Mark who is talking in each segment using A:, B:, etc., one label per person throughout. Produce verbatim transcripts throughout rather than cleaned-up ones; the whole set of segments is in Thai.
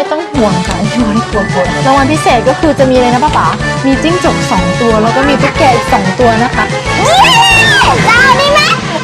A: ต้องห่วงค่ะที่ไม่กลัวฝนรางวัลพิเศษก็คือจะมีอะไรนะป้าป๋ามีจิ้งจกสองตัวแล้วก็มีตุ๊กแกอีกสองตัวนะคะ
B: เราได้ไหม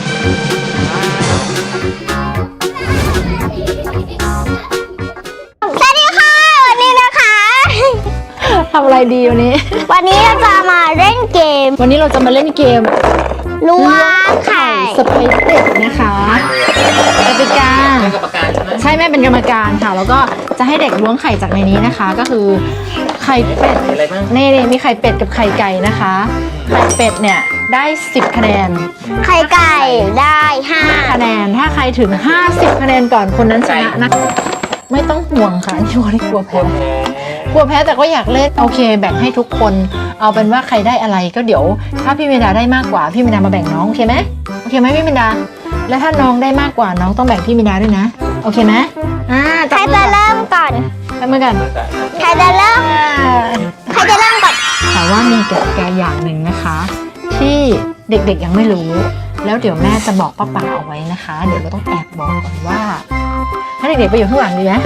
B: สวัสดีค่ะวันนี้นะคะ
A: ทำอะไรดีวันนี้
B: วันนี้เราจะมาเล่นเกม
A: วันนี้เราจะมาเล่นเกม
B: ล้วงไข่
A: สไปเด็กนะคะกติกาใช่แม่เป็นกรรมการค่ะแล้วก็จะให้เด็กล้วงไข่จากในนี้นะคะก็คือไข่เป็ดนี่นี่มีไข่เป็ดกับไข่ไก่นะคะไข่เป็ดเนี่ยได้สิบคะแนน
B: ไข่ไก่ได้ห้า
A: คะแนนถ้าใครถึงห้าสิบคะแนนก่อนคนนั้นชนะนะไม่ต้องห่วงค่ะที่ว่าไม่กลัวแพ้กลัวแพ้แต่ก็อยากเล่นโอเคแบ่งให้ทุกคนเอาเป็นว่าใครได้อะไรก็เดี๋ยวถ้าพี่เมดาได้มากกว่าพี่เมดามาแบ่งน้องโอเคไหมโอเคไหมพี่เมดาและถ้าน้องได้มากกว่าน้องต้องแบ่งพี่เมดาด้วยนะโอเคไหมอ่า
B: ใครจะเริ่มก่อน
A: ทำมือกัน
B: ใครจะเริ่มใครจะเริ่มก่อน
A: แต่ว่ามีกติกาอย่างหนึ่งนะคะที่เด็กๆยังไม่รู้แล้วเดี๋ยวแม่จะบอกป้าป๋าเอาไว้นะคะเดี๋ยวเราต้องแอบบอกก่อนว่าถ้าเด็กๆไปอยู่ข้างหลังดีไหม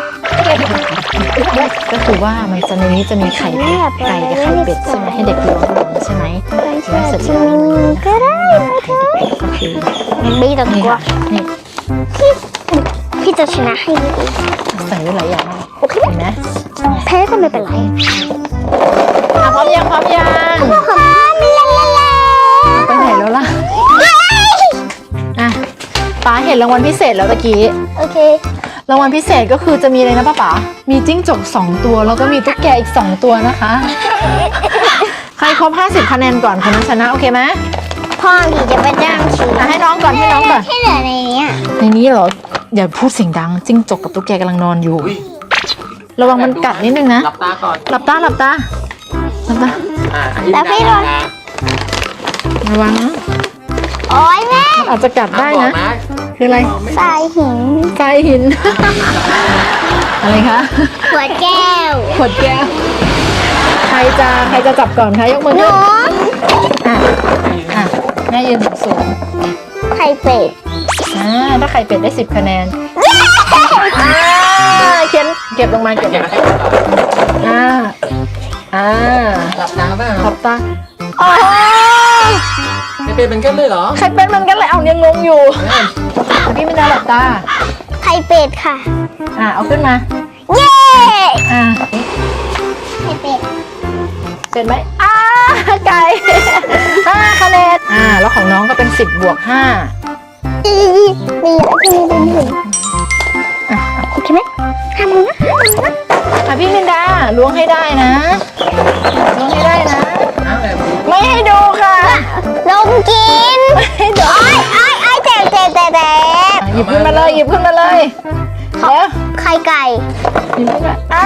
A: ก็คือว่ามันจะในนี้จะมีไข่เป็ดไก่กับไข่เป็ดใช่ไหมให้เด็กล้วงใช่ไหมแล้วเสร็จแล้ว
B: ก็ได้
A: ก็คือ
B: ไม่ต้องกลัว
A: นี่
B: พี่พี่จะชนะให้
A: ใส่ไว้หลายอย่าง
B: โอเค
A: เห็นไหม
B: แพ้ก็ไม่เป็นไร
A: อ่ะพร้อมยังพร้อมยัง
B: พร้อมแล้ว
A: ไปไหนแล้วล่ะอ่ะป้าเห็นรางวัลพิเศษแล้วตะกี้
B: โอเค
A: รางวัลพิเศษก็คือจะมีอะไรนะป้าป๋ามีจิ้งจกสองตัวแล้วก็มีตุ๊กแกอีกสองตัวนะคะใครครบห้าสิบคะแนนก่อนคนนั้นชนะโอเคไหม
B: พ่อดีจะไปจ้างชิม
A: ให้น้องก่อนให้น้องก่อน
B: ที่เหลือในนี้
A: ในนี้เหรออย่าพูดเสียงดังจิ้งจกกับตุ๊กแกกำลังนอนอยู่ระวังมันกัดนิดนึงนะ
C: หลับตาก่อน
A: หลับตาหลับตาหลับตา
B: แต่พี่โดน
A: ระวังนะ
B: โอ๊ยแม่
A: อาจจะกัดได้นะคืออะไร
B: ทรายหิน
A: ทรายหินอะไรคะ
B: ขวดแก้ว
A: ขวดแก้วใครจะใครจะจับก่อนคะยกมือขึ้นอ่ะอ่ะแม่ยืนสูง
B: ไข่เป็ด
A: อ่าถ้าไข่เป็ดได้สิบคะแนนอ่าเขียนเก็บลงมาเก็บอ่าอ่า
C: หลับตาบ้าง
A: หลับตา
B: โอ้
C: ไข่เป็ดมันกันเลยเหรอ
A: ไข่เป็ดมันกันเลยเอายังงงอยู่พี่ไม่ได้หลับตา
B: ไข่เป็ดค่ะ
A: อ่าเอาขึ้นมา
B: เย้
A: อ่า
B: ไข่เป็ด
A: เป็นไหมอ่าไก่ห้าคะแนนอ่าแล้วของน้องก็เป็นสิบบวกห้า
B: อีมีมีเป็นหนึ่งอ่ะโอเคไหมทำมือนะ
A: อ่ะพี่มินดาล้วงให้ได้นะล้วงให้ได้นะไม่ให้ดูค่ะ
B: ลงกิน
A: ให้ดู
B: ไอ้ไอ้ไอ้เจ๊เจ๊เจ๊เจ๊
A: หยิบขึ้นมาเลยหยิบขึ้นมาเลยแล้ว
B: ไข่ไก่
A: หยิบขึ้นมาอ่า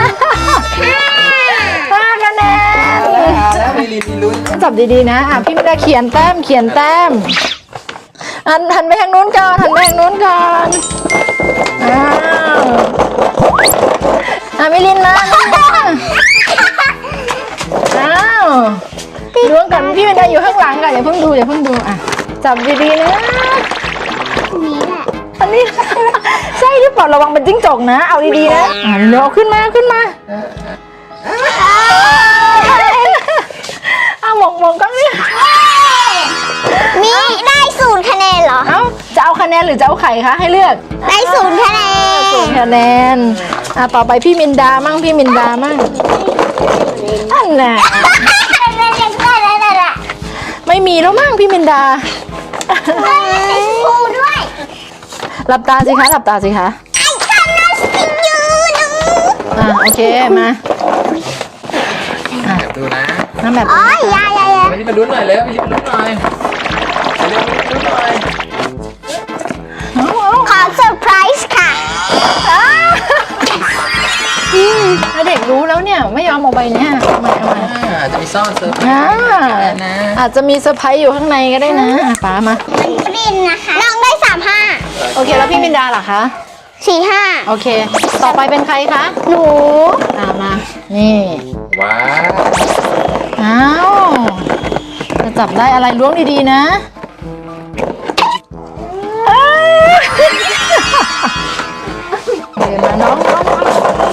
A: ห้าคะแนน
C: แล้วมีลิ้นลุ้น
A: จับดีๆนะอ่ะพี่มินดาเขียนแต้มเขียนแต้มหันหันไปทางนู้นก่อนหันไปทางนู้นก่อนอ้าวอ่ะมิลินมาอ้าวล้วงกันพี่มินดาอยู่ข้างหลังกันอย่าเพิ่งดูอย่าเพิ่งดูอ่ะจับดีๆนะ
B: นี่แหละ
A: อันนี้ใช่ที่ปลอดระวังเป็นจิ้งจกนะเอาดีๆนะอ่ะเดี๋ยวขึ้นมาขึ้นมาอ้าวมองมองก็นี่
B: มีได้ศูนย์คะแนนเหรอ
A: เอ้าจะเอาคะแนนหรือจะเอาไข่คะให้เลือก
B: ได้ศูนย์คะแนน
A: ศูนย์คะแนนอ่ะต่อไปพี่มินดามั่งพี่มินดามั่งอันน่ะไม่มีแล้วมั่งพี่มินดา
B: ด้วย
A: หลับตาสิคะหลับตาสิคะอ่ะโอเคมา
C: ดูนะ
A: น้ำแบบ
B: อ๋อยายายา
C: ไม่ได้มาลุ้นหน่อยเลยไม่ได้มาลุ้นหน่อยเร็วมาลุ้นหน่อย
B: ขอเซอร์ไพรส์ค่ะ
A: ถ้าเด็กรู้แล้วเนี่ยไม่ยอมเอาใบเนี้ยทำไมทำไม
C: อาจจะมีซ่อนเซอร์ไพรส์นะ
A: อาจจะมีเซอร์ไพรส์อยู่ข้างในก็ได้นะป้ามา
B: บินนะคะน้องได้สามห้า
A: โอเคแล้วพี่มินดาล่ะคะ
B: สี่ห้า
A: โอเคต่อไปเป็นใครคะ
B: หนู
A: อ่ามานี่
C: ว้าว
A: อ้าวจะจับได้อะไรล้วงดีๆนะเดี๋ยวนะน้อง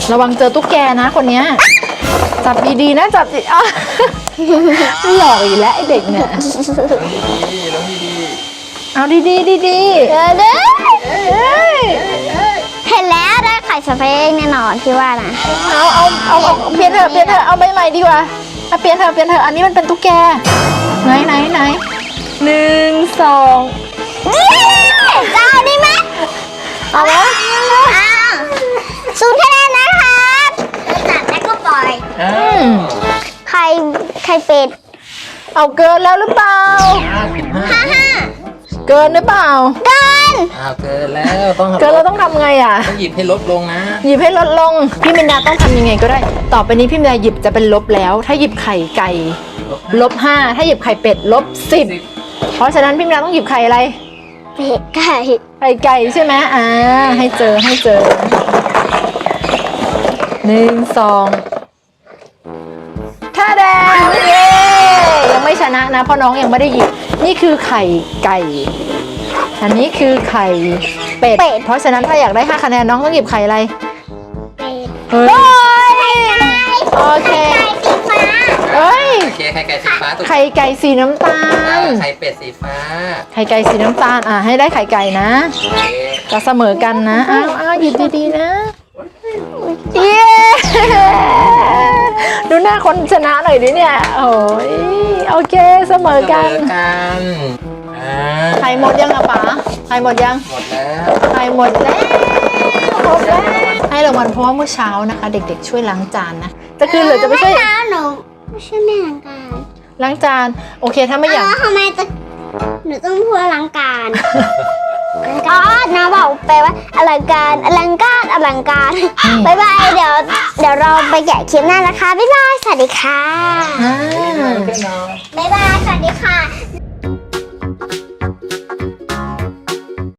A: ระวังเจอตุ๊กแกนะคนเนี้ยจับดีๆนะจับดีอ้าวไม่หลอกอีกแล้วไอเด็กเนี่ย
C: ดีๆแล้วดี
A: เอาดีๆดีๆ
B: เออเด้อ
A: เอ้ย
B: เห็นแล้วได้ไข่สเปกแน่นอนพี่ว่านะ
A: เอาเอาเอาเอาเปลี่ยนเถอะเปลี่ยนเถอะเอาใบใหม่ดีกว่าเอาเปลี่ยนเถอะเปลี่ยนเถอะอันนี้มันเป็นตุ๊กแกไหนไหนไหนหนึ่งสอง
B: เจ้าได้ไหม
A: เอาวะ
B: อ้าวศูนย์คะแนนนะครับจัดแล้วก็ปล่อย
C: ๆอ้า
A: อื
C: ว
A: ม
B: ไข่ไข่เป็ด
A: เอาเกินแล้วหรือเปล่า
C: สิบห้า
B: ห้าห้า
A: เกินหรือเปล่า
B: เกิน
C: อ้าวเกินแล้วต้อง
A: เกินเราต้องทำไงอ่ะ
C: ต้องหยิบให้ลดลงนะ
A: หยิบให้ลดลงพี่มินดาต้องทำยังไงก็ได้ ต่อไปนี้พี่มินดาหยิบจะเป็นลบแล้ว ถ้าหยิบไข่ไก่ลบห้าถ้าหยิบไข่เป็ดลบสิบเพราะฉะนั้นพี่มินดาต้องหยิบไข่อะไร
B: เป็ดไก่
A: ไข่ไก่ใช่ไหมอ่าให้เจอให้เจอหนึ่งสองท่าแดงเย้ยังไม่ชนะนะเพราะน้องยังไม่ได้หยิบนี่คือไข่ไก่ อันนี้คือไข่เป็ดเพราะฉะนั้นถ้าอยากได้ห้าคะแนนน้องต้องหยิบไข่อะไร
B: เป็ด
A: เฮ้ยโอเค
B: ไก่สีฟ้า
A: เอ้ย
C: โอเคไข่ไก่สีฟ้าตุ๊ก
A: ไข่ไก่สีน้ำตา
C: อ่า
A: ล
C: ไข่เป็ดสีฟ้า
A: ไข่ไก่สีน้ำตาลอ่ะให้ได้ไข่ไก่นะ
C: โอเค
A: จะเสมอกันนะอ้าวอ้าวหยิบดีๆนะเย้ดูหน้าคนชนะหน่อยดิเนี่ยโอ้ยโอเคเสมอ
C: เส
A: กั
C: ม
A: น
C: อกันอ่า
A: ไข่หมดยังอะป๋าไข่หมดยัง
C: หมดแล้ว
A: ไข่หมดแล้วครบแล้วให้รางวัลเพราะว่าเมื่อเช้านะคะ เด็กๆช่วยล้างจานนะจะคืนหรือจะไม่ช่วย
B: เช้าหนูไม่ใช่แม่ล้างการ
A: ล้างจานโอเคถ้าไม่อยาก
B: อ๋อทำไมจะหนูต้องพูดอลังการอ๋อนะบอกไปว่าอลังการอลังการอลังการบายบายเดี๋ยวเดี๋ยวเราไปแกะคลิปหน้านะคะบ๊ายบายสวัสดีค่ะ
A: อ่า
B: บ๊ายบายสวัสดีค่ะ